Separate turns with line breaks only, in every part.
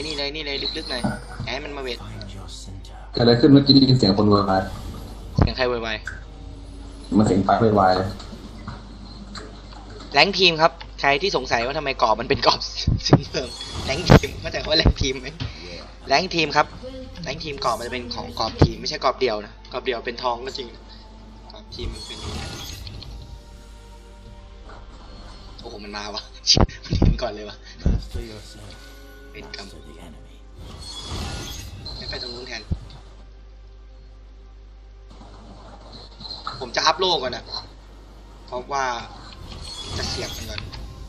เลยลึกๆหน่อยให้มันมาเวท
เกิดอะไรขึ้นเมื่อกี้ได้ยินเสียงคนโวยวาย
เสียงใครไว
มันเสียงไฟโวยวาย
แรงทีมครับใครที่สงสัยว่าทำไมกรอบมันเป็นกรอบสีเหลืองแรงทีมเข้าใจว่าแรงทีมไหมแรงทีมครับแรงทีมกรอบมันจะเป็นของกรอบทีมไม่ใช่กรอบเดียวนะกรอบเดียวเป็นทองก็จริงกรอบทีมมันเป็นโอ้โหมันมาวะมันเห็นก่อนเลยวะเป็นกรรมไม่ไปตรงนู้นแทนผมจะอัพโลกก่อนนะเพราะว่าจะเสียบมันก่อน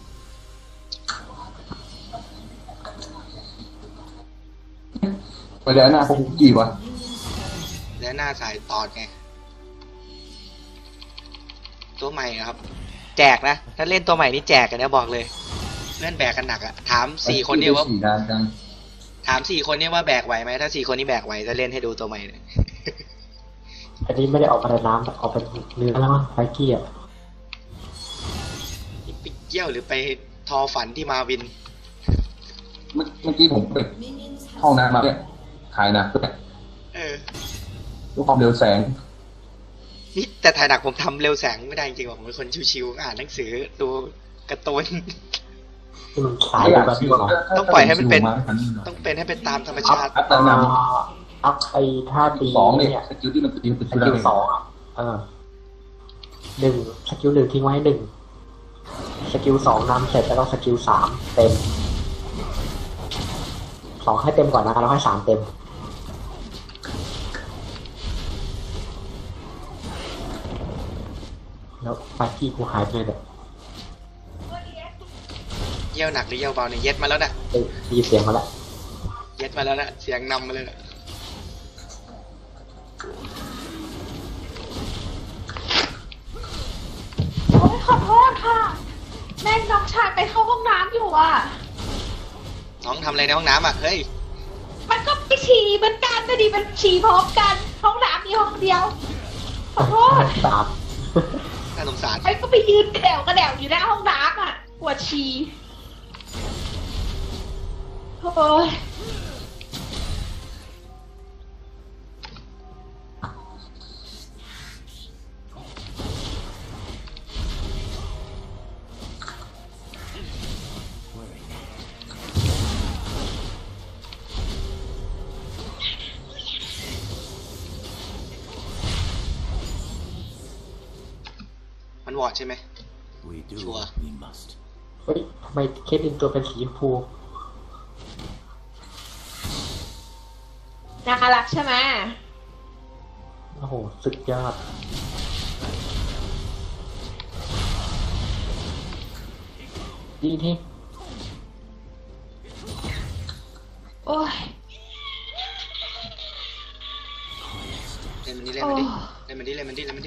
ไปเดี๋ยวหน้าพวกคุกกี้วะ
และหน้าสายตอดไงตัวใหม่ครับแจกนะถ้าเล่นตัวใหม่นี่แจกกันนะบอกเลยเพื่อนแบกกันหนักอะถาม4 คนเนี่ยว่าถาม4 คนเนี่ยว่าแบกไหวไหมถ้า4 คนนี้แบกไหวจะเล่นให้ดูตัวใหม่เลย
อันนี้ไม่ได้ออกมาในน้ำออกเป็นเนื้อแล้วมั้งไฟกี้อ่ะ
ไปเกี่ยวหรือไปทอฝันที่มาวิน
เมื่อกี้ผมไปห้องน้ำมาเนี่ยถ่ายหนักด้วยด้วยความเร็วแสง
นี่แต่ถ่ายหนักผมทำเร็วแสงไม่ได้จริงๆผมเป็นคนชิวๆอ่านหนังสือดูการ์ตูน
สายแบบนี้
ต้องปล่อยให้มันเป็นต้องเป็นให้เป็นตามธรรมชาติ
อัพไอ้ท่าตี
เนี่ยสกิลที่มันตีเป็น
สกิล21สกิล1ทิ้งไว้1สกิล2นำเสร็จแล้วก็สกิล3เต็ม2ให้เต็มก่อนนะแล้วให้3เต็มแล้วไฟกี้กูหายไปเลยเนี่ย
เยี่ยวหนักหรือเยี่ยวเบาเนี่ยเย็ดมาแล้วนะ
มีเสียงมาแล้ว
เย็ดมาแล้วนะเสียงนำมาเลยนะ
โอ้ยขอโทษค่ะแม่น้องชายไปเข้าห้องน้ำอยู่อ่ะ
น้องทำอะไรในห้องน้ำอ่ะเฮ้ย
มันก็ไปฉี่เหมือนกันแต่ดีมันฉี่พร้อมกันห้องน้ำมีห้องเดียวขอโทษ
น่าสงสาร
ไอ้ก็ไปยืนแถวกระแดวอยู่หน้าห้องน้ำอ่ะปวดฉี่โอ้ย
มันวอดใช่ไหมชัวร์
เฮ้ยทำไมเคสอินตัวเป็นสีชมพู
น่ารักใช่ไหม
โอ้โหสุดยอดดีที่
โอ้ย
เล่นมันดิเล่นมันดิเล่นมันดิเล่นมันดิ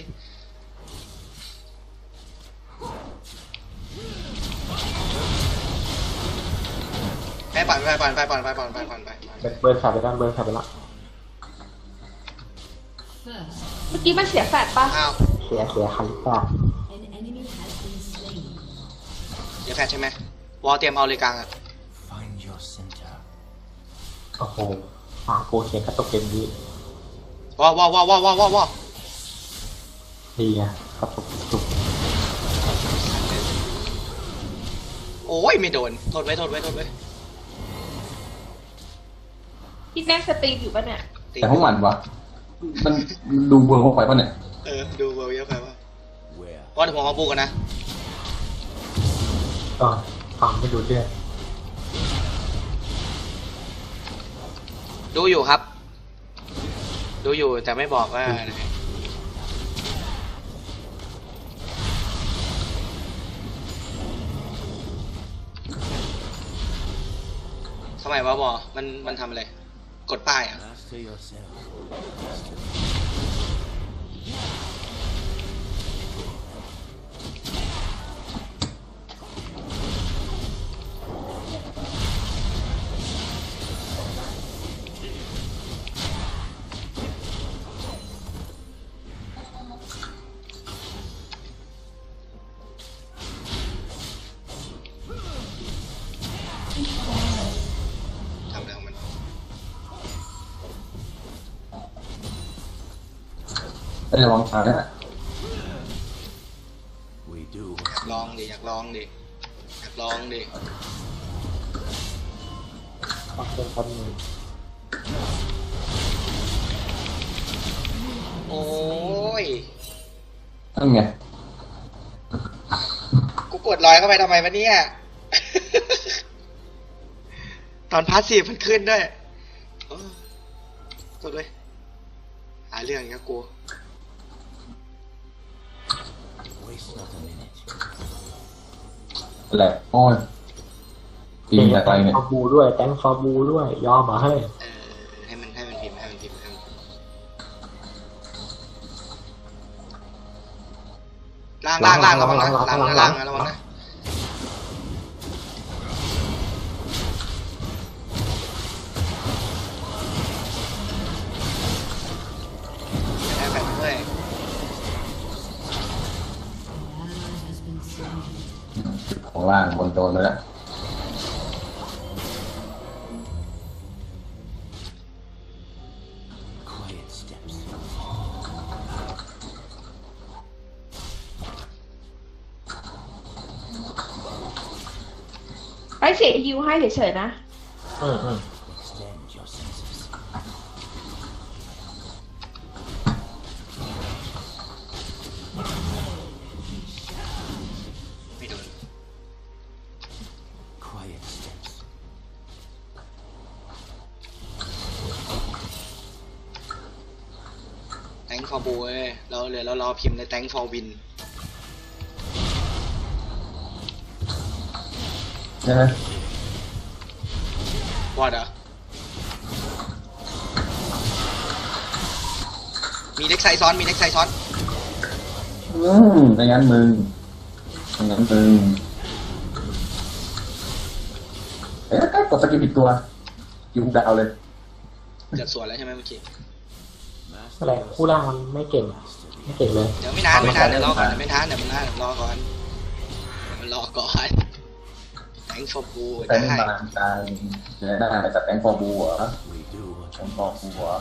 ไปปั่นไป
เบิร์นขาดไปด้านเบิร์นขาดไปละ
เมื่อกี้มันเสียแฟดป่ะ
เสียคันป่ะ
เดี๋ยวแฟดใช่ไหมวอลเตรียมเอาเลยกลางอ่ะ
โอ้โหโกเขียนกระตกเกมนี้
วอ
ดีอ่ะกระตกจุก
โอ้ยไม่โดนโทษไว้
พี่แม่สตรีมอยู่ป่ะเนี่ย
แต่ห้องมันวะมันดูเวิร์กเข้าไปป่ะเนี่ย
ดูเวิร์กเยอะไปวะก็เดี๋ยวผมเอาปูกันนะ
ฟังไม่ดูเรื่อง
ดูอยู่ครับดูอยู่แต่ไม่บอกว่าทำไมวะบอมันทำอะไรกดป้ายอ่ะทำอะไรของ
ได้ระวังตายนะ
อยากลองดิอยากลองดิอยากลองดิ
ขอบคุณคนหนึ่ง
โอ้ย
นั่นไง
กูกดลอยเข้าไปทำไมวะเนี่ย ตอนพาสซีฟมันขึ้นด้วยโอ้กดเลยหาเรื่องอย่างเงี้ยกู
แหละโอ้ยปีนจากไรเนี่ย
ฟอร์บูด้วยแตงฟอร์บูด้วยยอมมาให้
ให้มันพิมพ์ให้มันพิมพ์ให้มันล่างระวังนะล่างระวังนะแอบแบบด้วย
ของล่างบนโดนไปแล้ว
ไปเสียฮิวให้เฉยๆนะ
อืม
ไม่โดนแตงฟอร์บูเว้ยเรารอพิมพ์ในแตงฟอร์วิน
ใช่ไหม
วอดเหรอมีเล็กไซซ้อน
ไม่งั้นมึงเอ๊ะก็กดสกิลผิดตัวยิงดาวเลย
จะสวนแล้วใช่ไหมเมื่อกี้
อะไรคู่ล่างมันไม่เก่งเลย
เดี๋ยวไม่นานเดี๋ยวรอก่อนเดี๋ยวรอก่อนแตงฟอร์บู
แต่
ได้
ไม่มาตายได้จากแตงฟอร์บูเหรอแตงฟอร์บูเหรอ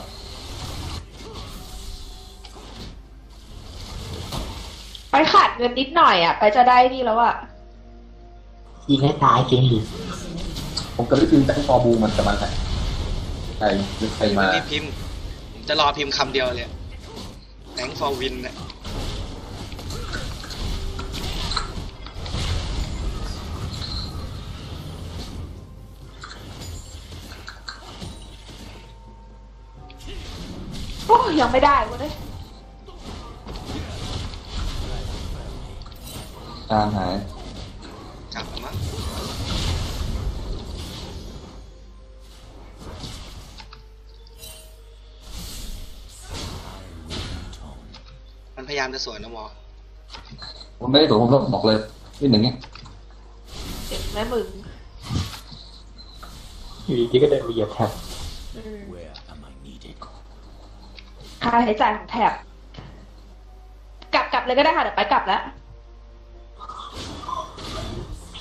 ไปขาดเงินนิดหน่อยอ่ะ ไปจะได้นี่แล้วอ่ะ
ยิงให้ตายจริงดิ
ผมก็ได้พิมพ์แตงฟอร์บูมันจะมาไหนใครหรือใครมา
รีบพิมพ์ผมจะรอพิมพ์คำเดียวเลยแตงฟอร์วินน่ะ
โอ้ยังไม่ได้เว้ย
จานหาย
กลับแล้วมั้งมันพยายามจะสวนนะวอ
ผมไม่ได้ตัวผมต้องบอกเลยนี่หนึ่งเนี้ย
เจ็บแม่มึง
อยู่ดีๆก็เดินไปเหยียบแท็บ
ค่าใช้จ่ายของแถบกลับเลยก็ได้ค่ะเดี๋ยวไปกลับแล้ว
ผี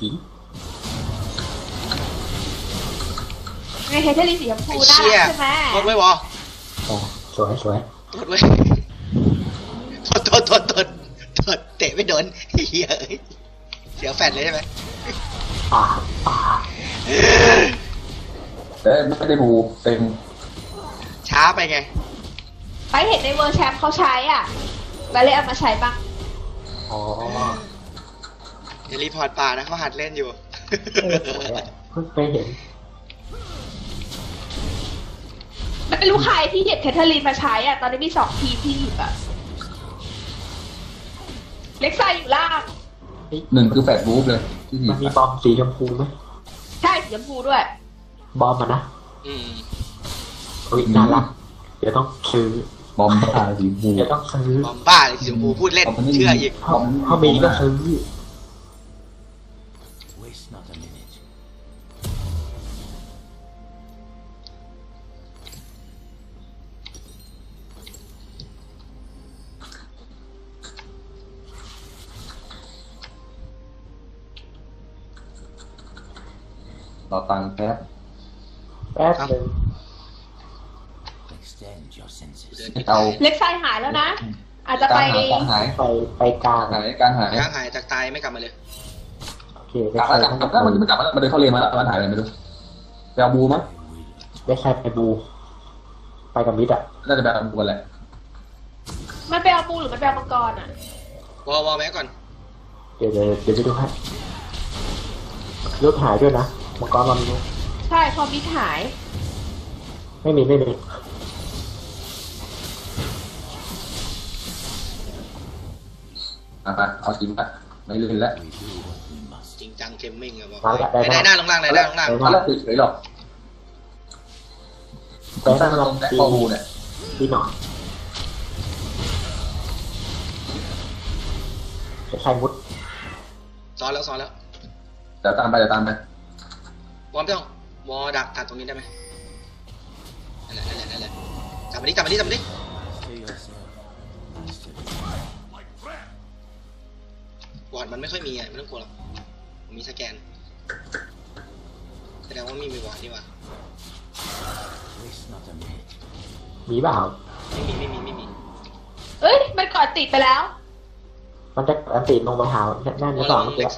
ไงเฮเทอรี่สีชมพู
ไอ้
น่า
เชี่ย
รักใช่ไหม
กดไว้วอ
โอ้สวย
กดไว้โทษเตะไม่โดนเฮียเอ้ยเสียแฟนเลยใช่ไหม
ป่า
แต่ไม่ได้บูเต็ม
ช้าไปไง
ไปเห็นในเวอร์แชมป์เขาใช้อ่ะไปเลยเอามาใช้บ้าง
อ๋อ
อย่ารีพอร์ตป่านะเขาหัดเล่นอยู่
สวยอะเพิ่งไปเห็น
ไม่รู้ใครที่เห็นเทเทอรีนมาใช้อ่ะ ตอนนี้มี2 ทีมที่หยิบอ่ะ เล็กไซอยู่ล่าง
หนึ่งคือแฟดบูฟเลยที่หยิ
มั
บ
นมีบอมสีชมพูไหม
ใช่สีชมพูด้วย
บอมมันนะ
อืม
อุ้ยน่ารักเดี๋ยวต้องซื้อบ
อมบ้าสีบู
เดี๋ยวต้องซื้อบ
อมบ้าเลยสีชมพูพูดเล่นเชื่ออีก
ถ้ามีก็ซื้อ
ต่อตังค์แป๊บ
แป๊บหนึง
เดิน
เอา
เล็กไซหายแล้วนะอาจจะไป
การหาย
ไปกลาง
การหาย
ย่างหายจากตายไม่กลับมาเลย
โอเค
กลับแล้วกลับแล้วมันกลับมามันเดินเข้าเลนมาแล้วมันหายไปไม่รู้ไปเอาบูมั้ง
ได้ใครไปบู ไปกับมิดอ่ะ
น่าจะไปเอาบูกันแหละ
มันไปเอาปูหรือมันไปเอามังกรอ่ะ
วอแม็กก่อน
เดี๋ยวไปดูให้รถหายด้วยนะมังกรมัน
ใช่พอมิดหาย
ไม่มี
เอาจริงละไม่เล่นแล้ว
จริงจังเกมมิ่งอะบอก
มาละได้
ได้หน้าลงล่างได้หน้าลงล่าง
มาแล้วเฉยๆหรอก
แต่
ตั้
ถ้าง เรา
ลงแต่ข้อบูเนี่ย
ดีหน่อยจะใช้มุด
ซ้อนแล้ว
เดี๋ยวตามไป
วอไม่ต้องวอดักตัดตรงนี้ได้ไหมนั่นแหละจับมาดิวอดมันไม่ค่อยมีไม่ต้องกลัวหรอกมีสแกนแสดงว่ามีวอดนี่วะ
มีเปล่า
ไม่มี
เอ้ย มันกอดติดไปแล้ว
มันจะอันติลงมาหาแน่นหรือเปล่าเมื่อ
เล็
กี้
กไซ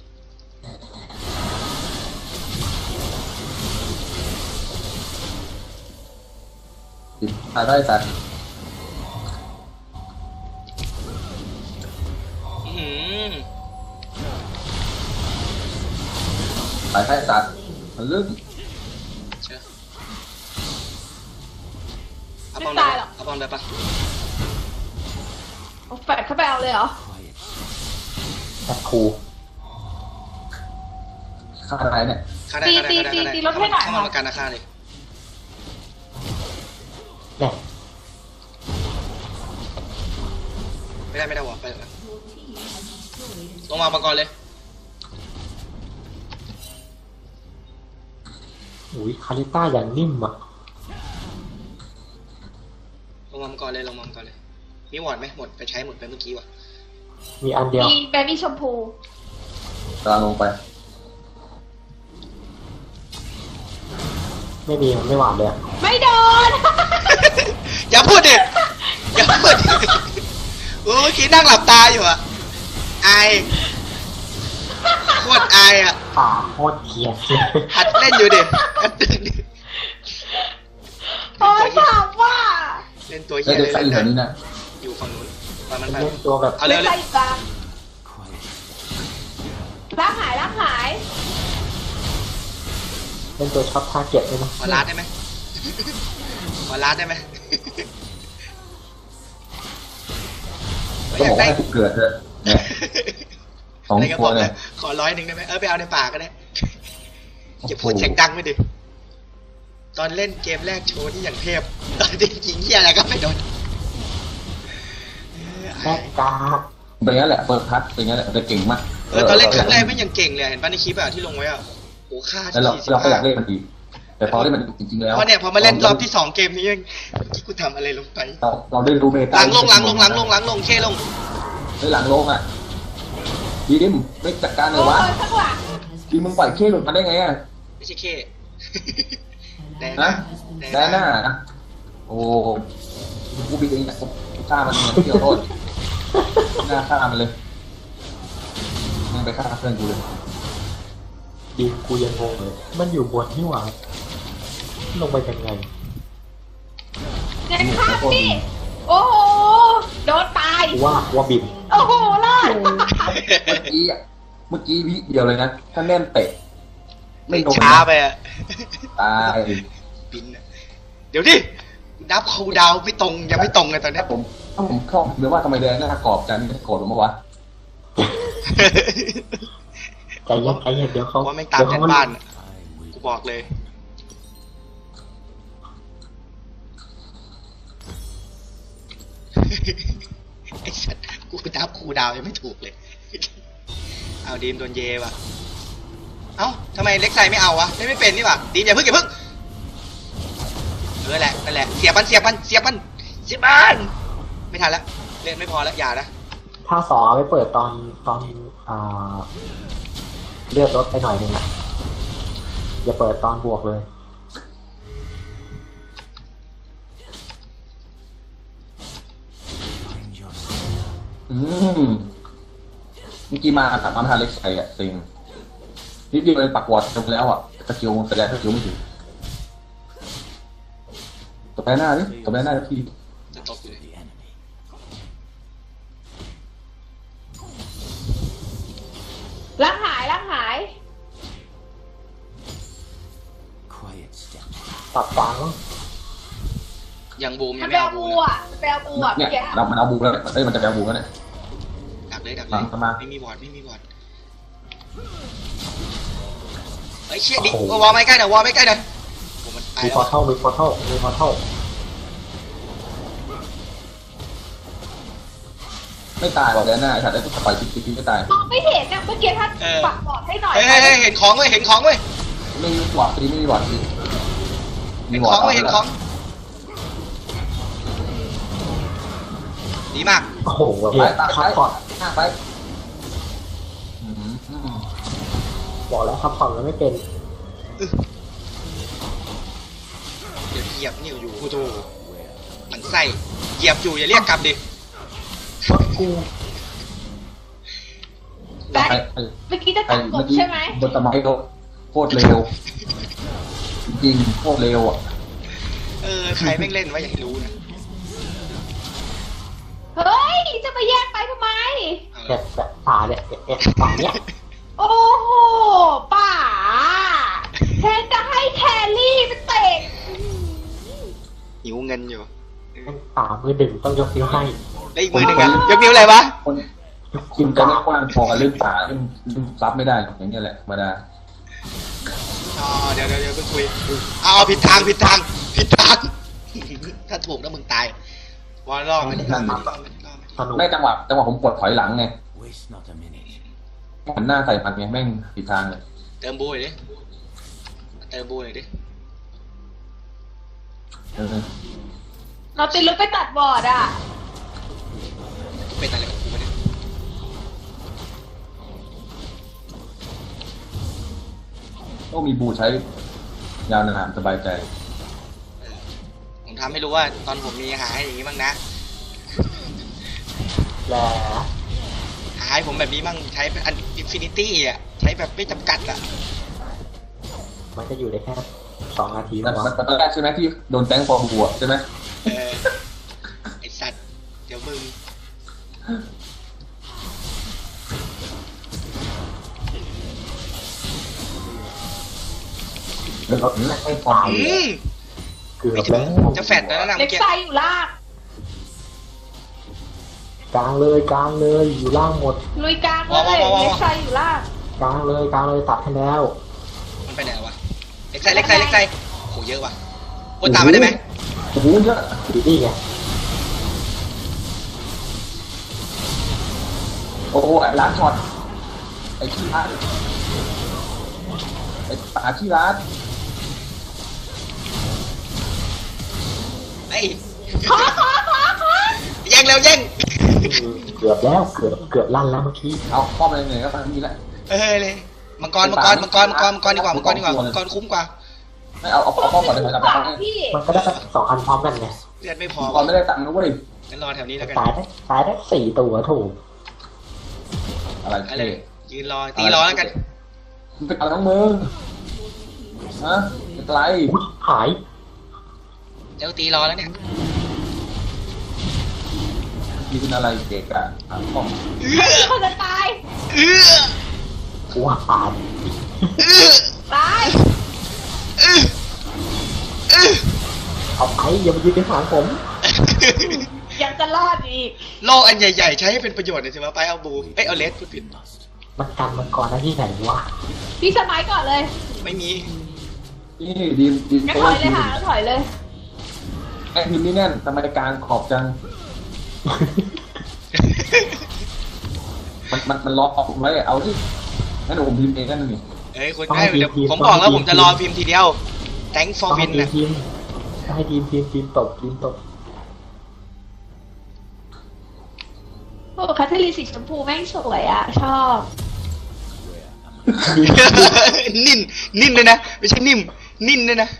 ตายได้แต่ ตายได้สัตว์มันลึก
เชื่อ
ไม่ตายหรอก
เอาบอลได้ปะ
เอาแฟดเข้าไปเอาเลยเหรอ
แอดคู
ฆ่าอะไรเนี่ย
ฆ่าได้
ตีรถให้หน่อย
เข้ามาประกันนะฆ่าเลย
เนี่ย
ไม่ได้วอไปเลยลงมาประกอนเลย
อุ้ยคาริต้าอย่างนิ่มอ่ะ
ลงมาประกอนเลยมีวอดไหมหมดไปใช้หมดไปเมื่อกี้วะ
มีอันเดียว
มีแบบี้ชมพู
กำลังลงไป
ไม่มีมันไม่หวานเลยอะ
ไม่โดน
อย่าพูดดิโอ้เมื่อกี้นั่งหลับตาอยู่อะอายโคตรอายอะ
ป่าโคตรเขียดเลย
หัดเล่นอยู่ดิ
โอ้ยถามว่า
เล่นตัว
แล้
เหี้
วย เด็
เล
ก
ย
ใส่อยู่แถวนี้นะ
อยู่ฝั่งนู้นตอนมันไป
เล่นตัวแบบ
เอาเร็ว
ไม่ใช่อยู่กลางร่างหาย
เล่นตัวช็อตทาร์เก็ตเลยนะ
ขอลาดได้ไหมขอลาดได้ไหม
ก็บอกให้กูเกิดเถอะเนี่ยสอง
อะไรก็
ค
บอน ก
เนี่
เลย ยขอ100ได้ไหมไปเอาในป่าก็ได้จะพูดเสียงดังไม่ดิตอนเล่นเกมแรกโชว์ที่อย่างเทพตอนที่ยิงเหี้ยอะไรก็ไม่โดน
แม่กา
เป็นงั้นแหละเปิดพัดเป็นงั้นแหละจะเก่งมาก
ตอนเล่นครั้งแรกไม่ยังเก่งเลยเห็นป่ะในคลิปอะที่ลงไว้อะโอ้ค่า
แล้วเราก็อยากเล่นมันอีกแต่พอเล่นมันจริงๆแล้ว
เพราะเนี่ยพอมาเล่นรอบที่2เกมนี้ยังที่กูทำอะไรลงไป
เราได้รู้เมตา
หลังลงเคลง
ไม่หลังลงอ่ะดีดิมไม่จัดการเล
โอ้
ยวะ
ยข้างหลัง
ดีมึงปล่อยเคหลุดมาได้ไงอ่ะ
ไม่ใช่เคแด
นะ
แด
แดนหน้านะโอ้กูบิดเองนะกูฆ่ามันเนี่ยเกี่ยวโทษหน้าฆ่ามันเลยยังไปฆ่าเพื่อนกูเลย
ดีกูยังงงเลย มันอยู่บนนี่หว่าลงไปยังไง
เงินข้ามพี่โอ้โห โดนตาย
กูว่าบิน
โอ้โหรอด
เมื่อกี้วิเดียวเลยนะถ้าแน่นเตะไม่ลง
ช้าไปอะ
ตาย
บินอะเดี๋ยวดินับคูลดาวน์ไม่ตรงยังไม่ตรงเลยตอนเนี้
ถ้าย ผมชอบหรือว่าทำไมแดนหน้ากรอบกันไม่โกรธผมวะ
ใจเย็นเดี๋ยวเขา
ว่าแม่งตามยันบ้านอะกูบอกเลยไอ้สัตว์กูนับคูลดาวน์ยังไม่ถูกเลย เอาดีมโดนเยว่ะเอ้าทำไมเล็กไซไม่เอาวะไม่เป็นนี่ว่ะดีมอย่าเพิ่งนั่นแหละเสียบมันไม่ทันแล้วเล่นไม่พอแล้วอย่านะ
ถ้าสอเอาไปเปิดตอนเลือดลดไปหน่อยนึงอ่ะอย่าเปิดตอนบวกเลย
เ
อืมเมื่อกี้มาสามารถทานเล็กใส่อะจริงนิดเดียวเลยปักวอร์ดจบแล้วอ่ะสกิลแสดงสกิลไม่ถึงตบไปหน้าดิตบไปหน้าที
จะตบอยู่เลย
ร่างหายร่างหาย
ตัดฟัง
ยังบูมยั
มั
ง
น
ไม่
แปล
เอาบู
บู
นะ
อ่ะมันแปลบูอ่ะ
เนี่ย
เมื่อกี้
มันเอาบูแล้วมันจะแบบูแล้วเนี่ย
ดักเลย
ฟังเข้ามา
ไม่มีบอร์ดไม่มีบอร์ดเฮ้ยเชี่ยดิวอลไม่ใกล้เดี๋ยววอลไม่ใกล้เดี๋ยวผมมันไป
มี
แล้
พอ
ว
เท่ามีพอเท่ามีพอเท่า
ไม่ตายบอกเลยหน้าไอ้สัตว์ไอ้ตุ๊กปล่อยติ๊กไม่ตาย
มองไม่เห็นนะเมื่อกี้ท่านปักบอดให้หน่อย
เฮ้ยเห็นของเว้ยเห็นของเว้ย
ไม่มีบอร์ดตีไม่มีบอร์ดตี
เห็นของเว้ยเห็นของดีมาก
โอ้โห
ไปตาย
ซัพพอร์ต
หน้าไป
บอกแล้วซัพพอร์ตมันไม่เป็น
เดี๋ยวเหยียบนิ้วอยู่กูโตมันใส่เหยียบอยู่อย่าเรียกกลับดิ
กู
แต่เมื่อกี้จะตัดกบใช่ไหม
บนตะไม้เขาโคตรเร็วจริงโคตรเร็วอ่ะ
ใครแม่งเล่นวะอยากให้รู้นะ
เฮ้ยจะมาแยกไปทำไม
เนี่ยแบบตาเนี่ยฝั่งเนี้ย
โอ้โหป่าแทนจะให้แครี่ไปเตะ
หิวเงินอยู่
มันตามือดึงต้องยกนิ้วให้
ได้อีกมือหนึ่งอะยกนิ้วอะไรวะ
คน
ยก
กิ
นิ้
น
ว
จะ
กา
ไม่กว้างพอกับเรื่องป่าเรื่องซับไม่ได้อย่างเงี้ยแหละธรรมดา
อ๋อเดี๋ยวเพิ่งคุยเอาผิดทาง ถ้าถูกแล้วมึงตายวอลล่อมันล่อมัน
สนุก
ไม่จังหวะผมกดถอยหลังไงหันหน้าใส่มันไงแม่งผิดทางเลย
เติมบูหน่อยดิเติมบูหน่อยดิ
เราติดลุกไปตัดบอร์ดอ่ะ
เป็นอะไรกับกูวะเนี่ย
ต้องมีบูใช้ยาวนานสบายใจ
ผมทำให้รู้ว่าตอนผมมีหาให้อย่างนี้บ้างนะ
แล้ว
หาให้ผมแบบนี้บ้างใช้เป็นอันอินฟินิตี้อ่ะใช้แบบไม่จำกัดอ่ะ
มันจะอยู่ได้แค่2 นาที
มัน
วะ
ตอนแรกใช่ไหมที่โดนแตงฟอร์มบัวใช่ไหม
ไอสัตว์เดี๋ยวมึง
แล้วก็ไม่ฟอร์ม
เกือ
ไม่
บ
ถึ
แล้
ง
ว
จะแฟดแล้วนะ
เล็
เมื่
ก
อกี้
ไซอยู่ล่าง
กลางเลยอยู่ล่างหมด
ลุยกลางเลยเล็กไซอยู่ล่าง
กลางเลยตัดให้แล้ว
มันไปไหนวะเล็กไซโหเยอะว่ะโอ้ตามมาได้ไหม
โอ้โหเยอะ
ดีนี่ไง
โอ้โหไอ้ร้านช็อตไอ้ขี้ร้านไอ้ป่าขี้ร้าน
ไอ้
ขอ
แย่งแล้วแย่ง
เกือบแล้วเกือบลั่นแล้วเมื่อกี้
เอาป้อมอะไรเหนื่อยก็ตามนี้แหละ
เลยมังกรดีกว่ามังกรคุ้มกว่า
ไม่เอาป้อมก่อนเลยครับ
ป่าพี่
มันก็ได้2 อันพร้อมกันไง
เลือดไม่พอ
ก่อนไม่ได้ตังค์นะเว้ย
งั้นรอแถวนี้แล้วกัน
ตายได้4 ตัวถูก
อะไร
อะไร
เท่
ยืนรอตีรอแล้วกัน
มันเป็นอะไรทั้งมึงฮะเป็นไร
อุ๊ยหาย
เจ้าตีรอแล้วเนี่ย
มีเป็นอะไรเกะกะป้อม
มีคนจะตาย
กูว่าตาย
ตาย
เอาไปอย่ามายืนในหางผม
ยังจะรอดอีก
โลอันใหญ่ๆใช้ให้เป็นประโยชน์หน่อยสิวะไปเอาบูเอาเลสพูดผิด
มันกันมันก่อนนะที่ไหนวะ
พี่สมัยก่อนเลย
ไม่มี
นี่ดีม
งั้นถอยเลยค่ะถอยเลย
ไอ้ทีมนี่แน่นทำไมกลางขอบจัง มันล็อกออกไว้เอาที่งั้นผมพิมพ์เองนั่นนี่
เอ้ยคุณเดี๋ยวผมบอกแล้วผมจะรอพิมพ์ทีเดียว thank for
ต้องให้
win นะ
ทีมตบ
โอ้แคทเธอรีนสีชมพูแม่งสวยอ่ะ ชอบ
นิ่นเลยนะไม่ใช่นิ่มนิ่นเลยนะ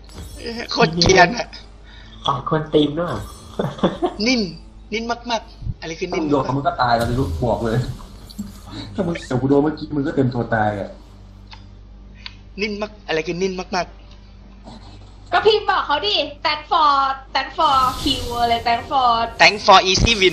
โคตรเกรียนอะ
ฝ่ายควรตีมด้วย
นิ่นมากๆอะไรคือ
ถ้า
นิ่
มึ
น
งโดนมึงก็ตายเราจะรู้บอกเลย ถ้ามึงเดี๋ยวกูโดนเมื่อกี้มึงก็เต็มตัวตายอ่ะ
นิ่นมากอะไรคือนิ่นมาก
ก็พิมพ์บอกเขาดิ thank for kill อะไร thank for
ๆ thank for easy win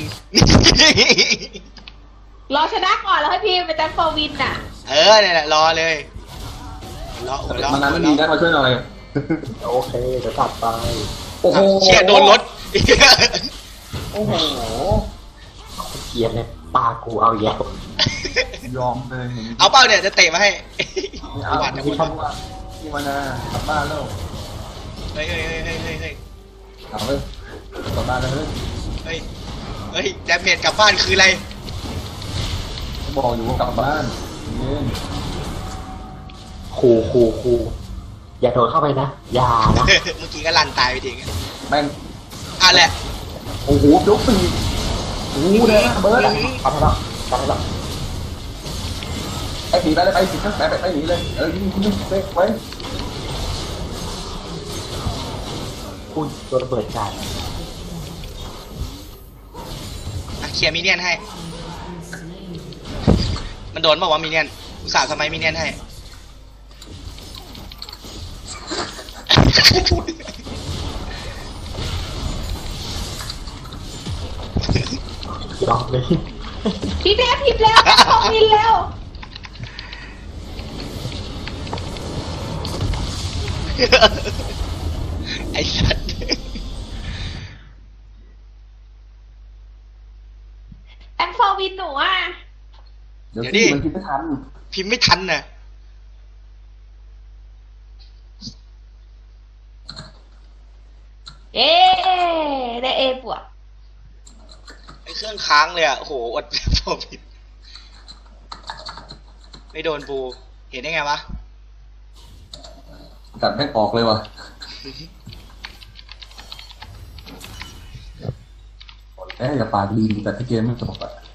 รอชนะก่อนแล้วให้พิมพ์เป็น thank for win น่ะ
เนี่ยแหละรอเลยรอ
มันนั้นไม่ดีนะมาช่วยหน่อย
โอเคเดี๋ยวตัดไป
โอ้โห
เชี่ยโดนรถ
โอ้โห
เกียร์เนี่ยปากูเอาแย่
ยอมเลยเห็น
เอาเป้าเนี่ยจะเตะมาให้
ไม่เอา
หวานนะ
ที่
คุณ
ทำว่าที่มานากลับบ้านแล้ว
เฮ้ย
เอาเลยกลับบ้านแล้วเฮ้ย
เฮ้ยแดมเมจกลับบ้านคืออะไร
บอกอยู่ว่ากลับบ้านเย็น
คูอย่าโดนเข้าไปนะ อย่านะ
เมื่อกี้ก็ลันตายไปทิ้ง
แม่ง
อ่ะแหละ
โอ้โหยกปีกโอ้โหเลยนะเบิร์ดอะ
ตัดให้แล้วตัดให้แล้ว
ไอ้ผีไปเลยไปสิครับไปหนีเลยยิงเซ็กไว้
คุณโดนระเบิดจาน
เคลียร์มิเนียนให้ มันโดนบอกว่ามิเนียนอุตส่าห์ทำไมมิเนียนให้
ยอมเลย
พิมพ์แล้ว thank for win แล้ว
ไอ้สัตว์
thank for win หนูอ่ะ
เดี๋ยวที่มันคิดไม่ทัน
พิมพ์ไม่ทันน่ะ
เอ๊ได้ A บวก
ไอ้เครื่องค้างเลยอ่ะโอ้โหอดพอผิดไม่โดนปูเห็นได้ไงวะ
กัดแม่งออกเลยว่ะอย่าปากดีแต่ที่เกมไม่จบอ่ะ